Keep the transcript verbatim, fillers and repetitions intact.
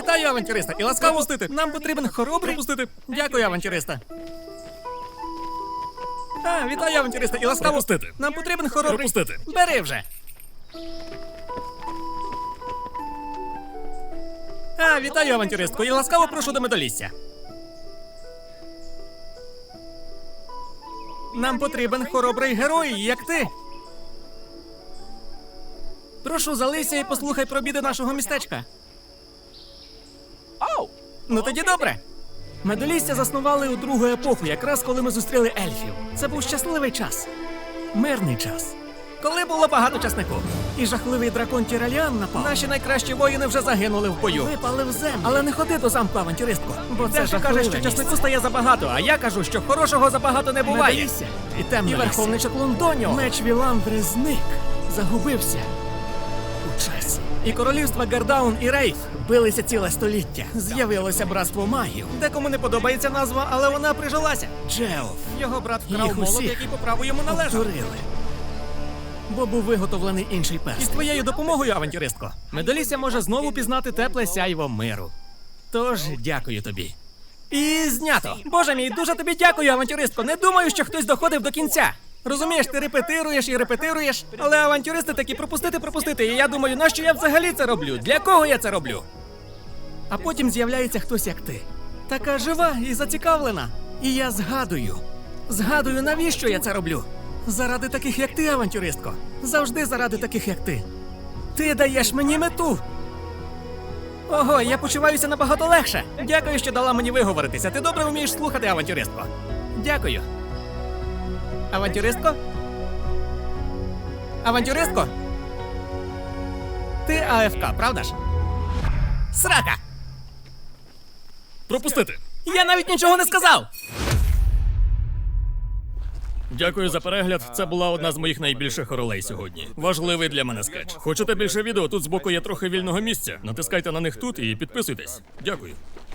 Вітаю, авантюриста! І ласкаво Пропустити. Нам потрібен хоробрий. Пропустити. Дякую, авантюриста. А, вітаю, авантюриста! І ласкаво Пропустити. Нам потрібен хоробрий. Пропустити. Бери вже. А, вітаю, авантюристку! І ласкаво прошу до медалістя. Нам потрібен хоробрий герой, як ти. Прошу, залися і послухай про біди нашого містечка. Ну тоді добре. Медалістя заснували у другу епоху, якраз коли ми зустріли ельфів. Це був щасливий час. Мирний час. Коли було багато часнику. І жахливий дракон Тіраліан напав. Наші найкращі воїни вже загинули в бою. Випали в землю. Але не ходи до замку, авантюристко. Бо це Дехто каже, що часнику стає забагато, а я кажу, що хорошого забагато не буває. Медалістя. І темно. І верховний Чаклундоніо. Меч Віландри зник. Загубився. У часі. І королівства Гардаун і Рейф билися ціле століття. З'явилося братство магів. Декому не подобається назва, але вона прижилася. Джеоф. Його брат вкрав Їх молот, усіх який по праву йому належав. повторили. Бо був виготовлений інший перстень. І з твоєю допомогою, авантюристко, Медаліся може знову пізнати тепле сяйво миру. Тож, дякую тобі. І знято. Боже мій, дуже тобі дякую, авантюристко. Не думаю, що хтось доходив до кінця. Розумієш, ти репетируєш і репетируєш, але авантюристи такі пропустити, пропустити. І я думаю, нащо я взагалі це роблю? Для кого я це роблю? А потім з'являється хтось як ти. Така жива і зацікавлена. І я згадую. Згадую, навіщо я це роблю. Заради таких, як ти, авантюристко. Завжди заради таких, як ти. Ти даєш мені мету. Ого, я почуваюся набагато легше. Дякую, що дала мені виговоритися. Ти добре вмієш слухати, авантюристко. Дякую. Авантюристко? Авантюристко? Ти АФК, правда ж? Срака! Пропустити. Я навіть нічого не сказав! Дякую за перегляд. Це була одна з моїх найбільших ролей сьогодні. Важливий для мене скетч. Хочете більше відео? Тут збоку є трохи вільного місця. Натискайте на них тут і підписуйтесь. Дякую.